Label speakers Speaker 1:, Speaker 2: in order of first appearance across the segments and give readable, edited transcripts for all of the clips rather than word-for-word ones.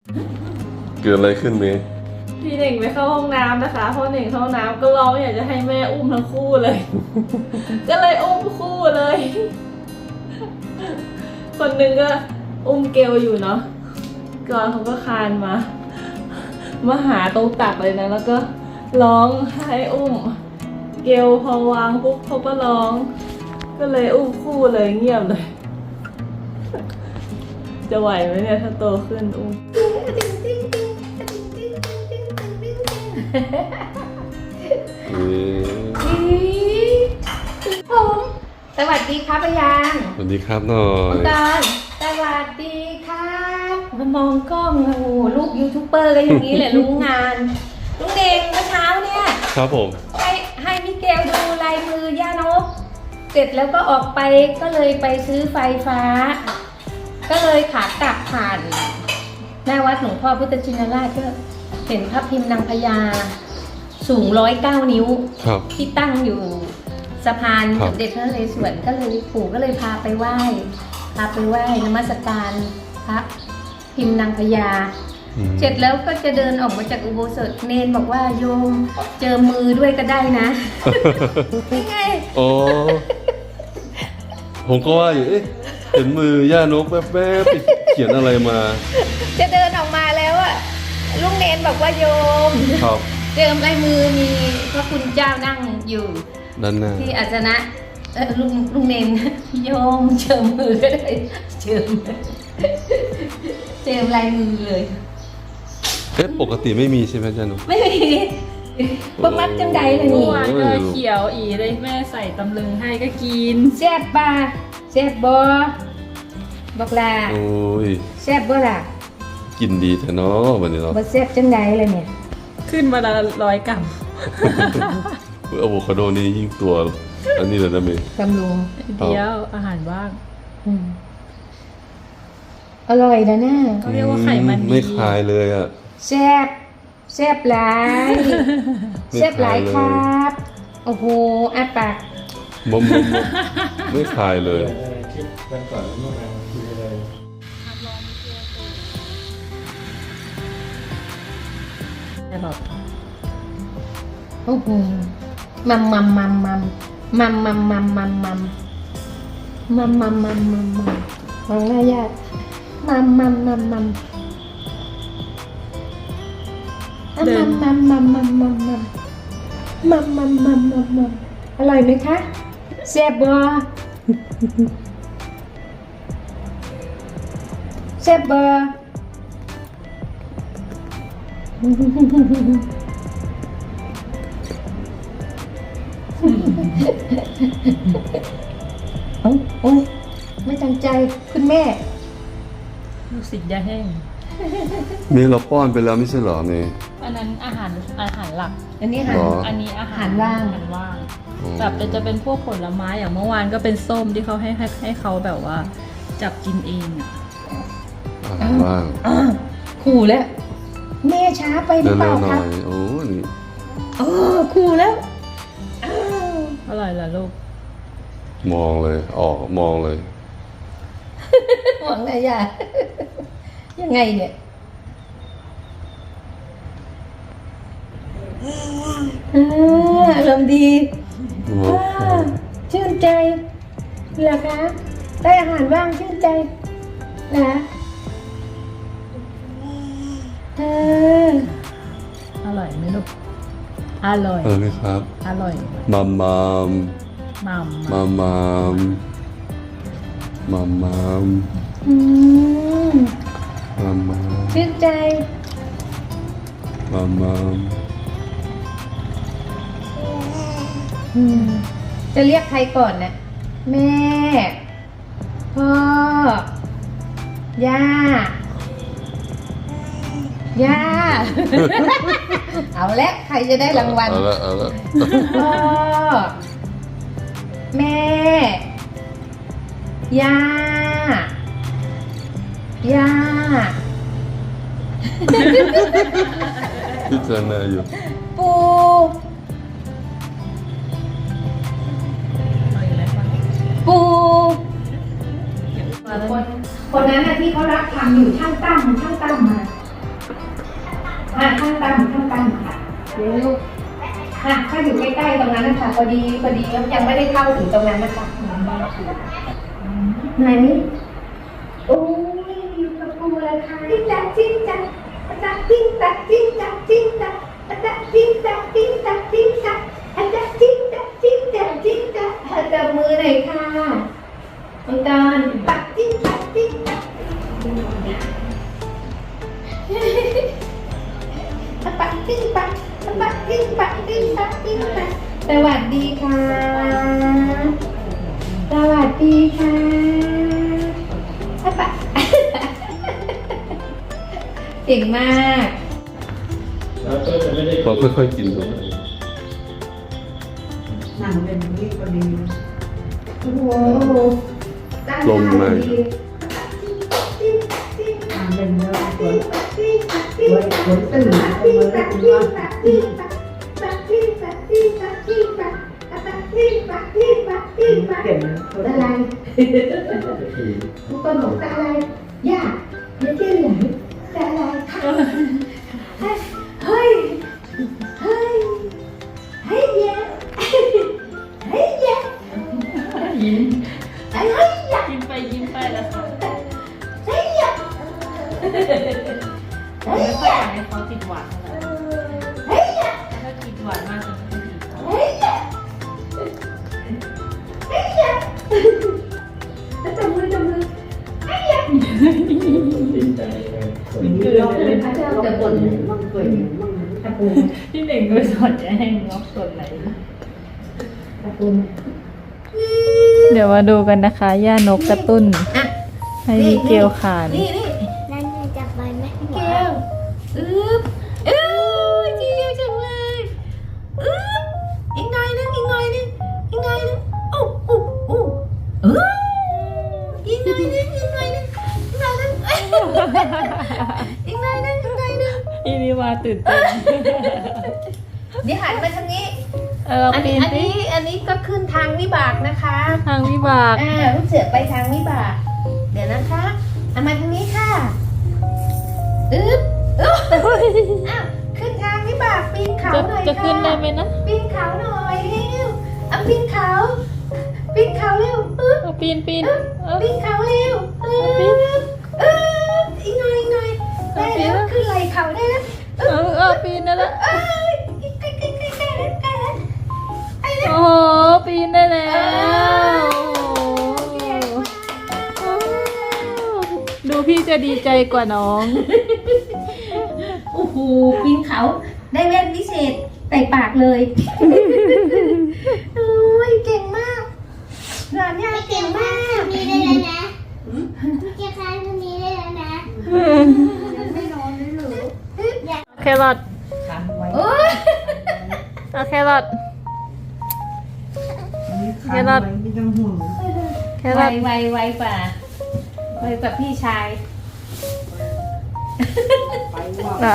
Speaker 1: เกิดอะไรขึ้นเมย์
Speaker 2: พี่เน่งไปเข้าห้องน้ำนะคะพอเน่งเข้าห้องน้ำก็ร้องอยากจะให้แม่อุ้มทั้งคู่เลย ก็เลยอุ้มคู่เลย คนหนึ่งก็อุ้มเกลอยู่เนาะก่อนเขาก็คลานมาหาตรงตักเลยนะแล้วก็ร้องให้อุ้ม เกลพอวางปุ๊บเขาก็ร้อง ก็เลยอุ้มคู่เลยเงียบเลย จะไหวไหมเนี่ยถ้าโตขึ้นอุ้ม
Speaker 1: เอ๊ะ
Speaker 3: ผมสวัสดีครับพยาง
Speaker 1: สวัสดีครับหน่อย
Speaker 3: ตอนสวัสดีครับมามองกล้องโอ้โหลูกยูทูบเบอร์ก็อย่างนี้แหละรู้งานลุงเด่งเมื่อเช้าเนี่ย
Speaker 1: ครับผม
Speaker 3: ให้มิเกลดูลายมือย่านกเสร็จแล้วก็ออกไปก็เลยไปซื้อไฟฟ้า ก็เลยขากลับผ่านหน้าวัดหลวงพ่อพุทธชินราชก็เห็นพระพิมพ์นางพญาสูง109 นิ้ว
Speaker 1: ครับ
Speaker 3: ที่ตั้งอยู่สะพาน
Speaker 1: ครั
Speaker 3: ส
Speaker 1: บ
Speaker 3: มเด็จพระนเรศวรก็เลยปู่ก็เลยพาไปไหว้นมัสการพระพิมพ์นางพญา
Speaker 1: อืม
Speaker 3: เสร็จแล้วก็จะเดินออกมาจากอุโบสถเนนบอกว่าโยมเจอมือด้วยก็ได้นะ นี่ไง
Speaker 1: อ๋อผมก็ว่าอยู่เอ๊ะเห็นมือย่านกแวบๆไปเขียนอะไรมา
Speaker 3: จะเดินออกมาแล้วอะลุงเนนบอกว่าโยม
Speaker 1: ครับ
Speaker 3: เจิมลายมือมีพระคุณเจ้านั่งอยู่
Speaker 1: ด้านหน้า
Speaker 3: ที่อาสนะลุงเนนโยมเจิมมือก็ได้เจิมลายมือเลย
Speaker 1: เอ๊ะปกติไม่มีใช่ไหมจ๊ะหนู
Speaker 3: ไม่มีบะมัดจังใดเลย
Speaker 2: เมื่
Speaker 3: นี่
Speaker 2: อวานก็เขียวอีเลยแม่ใส่ตำลึงให้ก็กิน
Speaker 3: แซ่บบ่าแซ่บบ่บอกลา
Speaker 1: โอ้ย
Speaker 3: แซ่บบ่ล่ะ
Speaker 1: กินดีแท้เนาะวันนี้เนาะ
Speaker 3: บ่แซ่บจังใดเลยเนี่ย
Speaker 2: ขึ้นมาละ100 กรัม
Speaker 1: อะโวคาโดนี่ยิ่งตัวอันนี้เลยนะเมย์
Speaker 3: บำรุง
Speaker 2: เดียวอาหารว่าง
Speaker 3: อืมอร่อยนะน่ะ
Speaker 2: เขาเรียกว่าไขมันดี
Speaker 1: ไม่คลายเลยอ่ะ
Speaker 3: แซ่บแซ่บหลาย
Speaker 1: ไม่
Speaker 3: แซ่บหลาย
Speaker 1: ค
Speaker 3: ค
Speaker 1: ลา
Speaker 3: ร
Speaker 1: ยเลย
Speaker 3: ับโอ้โหอาปาก
Speaker 1: มมไม่คลายเลย
Speaker 4: คลิปวันก่อนเมื่อวานคุยอะไร
Speaker 2: แต่แบบ
Speaker 3: โอ้โหมัมมัมมัมมัมมัมมัมมัมมัมมัมมัมมัมมัมมัมมัมมองหน้าญาติมัมมัมมัมมัมมัมมัมมัมมัมมัมมัมมัมมัมมัมมัมมัมอร่อยไหมคะแซ่บบ่แซ่บบ่โอ้ยไม่ตั้งใจคุณแม่
Speaker 2: ลูกศิษย์ยาแห้ง
Speaker 1: เมย์เราป้อนไปแล้วไม่ใช่เหรอเมย์
Speaker 2: อันนั้นอาหารหลัก
Speaker 3: อันนี้หัน
Speaker 1: หรอ
Speaker 2: อันนี้อาหาร
Speaker 3: อาหารว่าง
Speaker 2: อาหารว่าง
Speaker 1: อ๋อ
Speaker 2: แบบจะเป็นพวกผลไม้อย่างเมื่อวานก็เป็นส้มที่เขาให้เขาแบบว่า จับกินเองอ่ะ
Speaker 1: อาหารว่าง
Speaker 3: ขู่แล้ว แม่ช้าไปหรือเป
Speaker 1: เร็
Speaker 3: ล่าว
Speaker 1: ๆห
Speaker 3: ค
Speaker 1: น่
Speaker 3: รั
Speaker 1: อบ ยโอ้นี่
Speaker 3: ขู่แล้วอ้าว
Speaker 2: อร่อยเหรอลูก
Speaker 1: มองเลยออกมองเลย
Speaker 3: หวังอะไรอ่ะยังไงเนี่ยอารมณ์ดี
Speaker 1: โอ้
Speaker 3: ว้าวชื่นใจเหรอคะได้อาหารว่างชื่นใจนะเออ
Speaker 2: อร่อยไหมลูก อร่อย
Speaker 1: นี่ครับ
Speaker 2: อร่อย
Speaker 1: มัมมัม
Speaker 2: มัม
Speaker 1: มัมมัมมัมมัม
Speaker 3: อืม
Speaker 1: มัมมัม
Speaker 3: ชื่นใจ
Speaker 1: มัมมัม
Speaker 3: อืมจะเรียกใครก่อนนะแม่ พ่อย่า ย่า เอาละใครจะได้รางวัล
Speaker 1: เอาละ
Speaker 3: พ่อ แม่ ย่า ย่า
Speaker 1: พิจารณาอยู่
Speaker 3: ปู
Speaker 2: เอาอีกแล้วป่ะ
Speaker 3: ปู
Speaker 2: มาแล้ว
Speaker 3: คนนั้นน่ะที่เขารับทำอยู่ช่างตั้มมาลูกค่ะถ้าอยู่ใกล้ๆตรงนั้นนะคะพอดียังไม่ได้เข้าถึงตรงนั้นนะคะไหนโอ้ยอยู่กับปูเลยค่ะจิ้งจักจิ้งจักจักจิ้งจักจิ้งจักจิ้งจักจักจิ้งจักจิ้งจักจิ้งจักจักจิ้งจักจิ้งจักจิ้งจักจับมือหน่อยค่ะน้องตาลปักจิ้งจักจิ้งจักปักจิ้งปักปักจิ้งปักจิ้งปักจิ้งปักสวัสดีค่ะสวัสดีค่ะปักเก่งมาก
Speaker 4: แล้วก็จะไม่ได้
Speaker 1: พอค่อยๆกินดู
Speaker 5: หนังเป็นนี่พอดี
Speaker 3: โอ้โห
Speaker 1: ลมมา
Speaker 5: หนังเป็นเนื้อคนคนตื่นมาเมื่อคุณว่าเก่งคน
Speaker 3: อะไร
Speaker 4: ก็คือ
Speaker 3: ทุกคนบอกอะไรยากไม่ใช่เหรอจะอะไรเฮ้ยเฮ้ยเฮ้ยเย้เฮ้ยเย้
Speaker 2: ยิ้ม
Speaker 3: เฮ้ยเย้
Speaker 2: ยิ้มไปยิ้มไปแล้วค่ะ
Speaker 3: เฮ้ยเย้เฮ้ย
Speaker 2: ไม่ค่อย
Speaker 3: เย้
Speaker 2: อยากให้เขาติดหวานขนาดนั้น
Speaker 3: เฮ้ยเย้
Speaker 2: ถ้าติดหวานมากจะไม่ดี
Speaker 3: เฮ้ยเย้เฮ้ยเย้จับมือเฮ้ยเย้
Speaker 4: ดีใจเลยคน
Speaker 5: คือเราเป็นพระเจ้าแต่บนมั่งเกิดมั่งตะปู
Speaker 2: พี่เน่งก็สอนจะให้งอกส่วนไหน
Speaker 5: ตะปู
Speaker 2: เดี๋ยวมาดูกันนะคะ ย่านกกระตุ้น ให้มิเกลขาน
Speaker 3: นี่
Speaker 6: นั่นไงจับใบไหม
Speaker 3: เกลทีเดียวจังเลยอีกหน่อยนึงโอ้อีกหน่อยนึงอีกหน่อยนึงอีกหน่อยนึงอีกหน่อยนึง
Speaker 2: อีนี่มาตื่นเต้น
Speaker 3: เดี๋ยวหันมาทางนี้
Speaker 2: เรา
Speaker 3: อัน
Speaker 2: ปีนสิ
Speaker 3: นี้ก็ขึ้นทางวิบากนะคะ
Speaker 2: ทางวิบาก
Speaker 3: ลูกเสือไปทางวิบาก เดี๋ยวนะคะเอามาทางนี้ค่ะอ้าวขึ้นทางวิบากปีนเขาหน่อยค่ะ
Speaker 2: จะขึ้นได้ไหมนะ
Speaker 3: ปีนเขาหน่อยเร็วเอาปีนเขาเร็ว
Speaker 2: เอาปีน
Speaker 3: ปีนเขาเร็วอีกหน่อยได้แล้วขึ้นไหล่เขาได้แล้ว
Speaker 2: ปีนได้แล้ว
Speaker 3: ใกล้แล้ว
Speaker 2: โอ้โหปีนได้แล้ว ดูพี่จะดีใจกว่าน้อง
Speaker 3: โอ้โหปีนเขาได้แว่นพิเศษใส่ปากเลยโอ้ยเก่งมากหลานย่าเก่งมาก
Speaker 6: มีได้แล้วนะเจ้าค้างตรงนี้ได้แล้วนะ
Speaker 5: ไม่นอนเลยหรือ
Speaker 2: แครอท
Speaker 5: ขันไว้
Speaker 3: โอ้ย
Speaker 2: เอาแครอท
Speaker 5: ขันไว้ไม่ต้องห่วง
Speaker 2: แครอท
Speaker 3: ไวกว่าพี่ชาย
Speaker 5: ไปว่า
Speaker 2: อ่า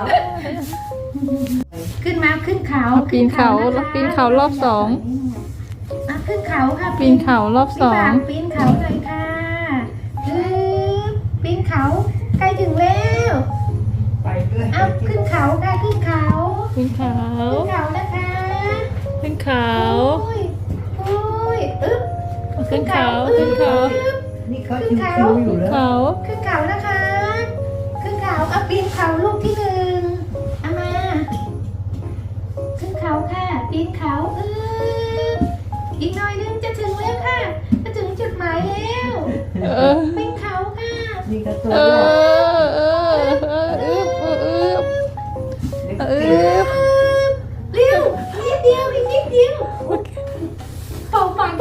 Speaker 3: ขึ้นมาขึ้นเขา
Speaker 2: ปีนเขา
Speaker 3: นะคะ
Speaker 2: ปีนเขารอบสอง
Speaker 3: ขึ้นเขาค่ะ
Speaker 2: ปีนเขารอบสอง
Speaker 3: ปีนเขาหน่อยค่ะปีนเขาใกล้ถึงแล้ว
Speaker 5: ไปด้วย
Speaker 3: เอาขึ้นเขาค่ะขึ้นเขา
Speaker 2: ปีนเขา
Speaker 3: ขึ้นเขานะคะ
Speaker 2: ขึ้นเขา
Speaker 3: โอ้ยอึ๊บ
Speaker 2: ขึ้นเขาขึ้นเขา
Speaker 3: อึ๊บ
Speaker 5: นี่เขาชิวๆอยู่แล้ว
Speaker 2: เขา
Speaker 3: ขึ้นเขานะคะขึ้นเขาเอาปีนเขาลูกที่หนึ่งเอามาขึ้นเขาค่ะปีนเขาอีกหน่อยนึงจะถึงแล้วค่ะจะถึงจุดหมายแล้ว
Speaker 2: เออ
Speaker 3: ปีนเขาค่ะ
Speaker 5: นี่ก็ตัว
Speaker 2: เอ
Speaker 5: รอด
Speaker 2: อึบอึบ
Speaker 3: เร็วนิดเดียวอีกนิดเดียวเป่าปาก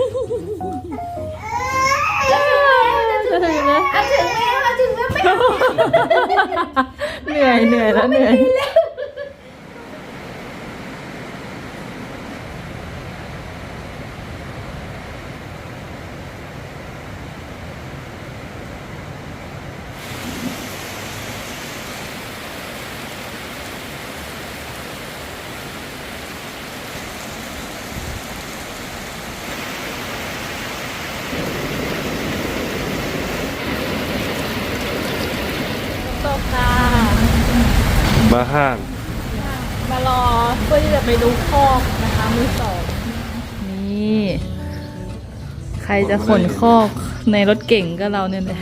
Speaker 2: จะถึงแล้ว
Speaker 3: เอาถึงแล้วไม่
Speaker 2: เหนื่อยแล้วเหนื่อย ตกค่ะ
Speaker 1: มาห้าง
Speaker 2: มมารอเพื่อที่จะไปดูคอกนะคะมือสองนี่ ใครจะขนคอกในรถเก่งก็เราเนี่ยแหละ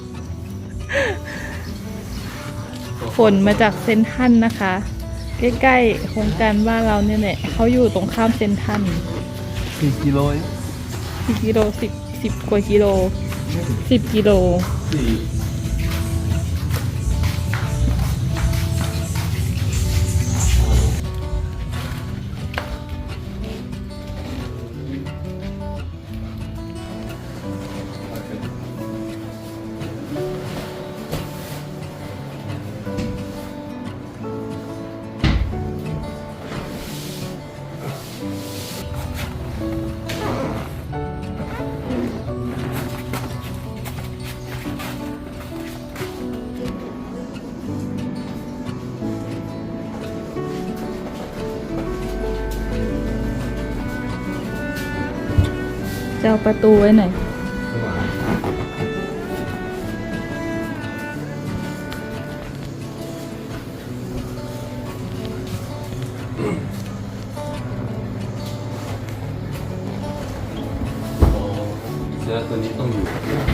Speaker 2: ขนมาจากเซนทรัลนะคะ ใกล้ๆโครงการบ้านเราเนี่ยแหละเขาอยู่ตรงข้ามเซนทรัล
Speaker 1: 4 กิโล
Speaker 2: 10 กิโล10 กว่ากิโล 10 กิโล จะเอาประตูไว้ไหน
Speaker 1: เสื้อตัวนี้ต้องอยู่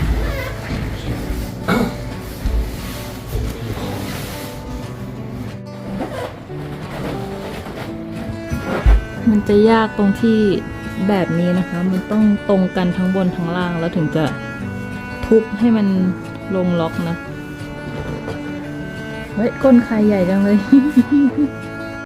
Speaker 2: มันจะยากตรงที่แบบนี้นะคะ มันต้องตรงกันทั้งบนทั้งล่างแล้วถึงจะทุบให้มันลงล็อกนะ เฮ้ยก้นใครใหญ่จังเลย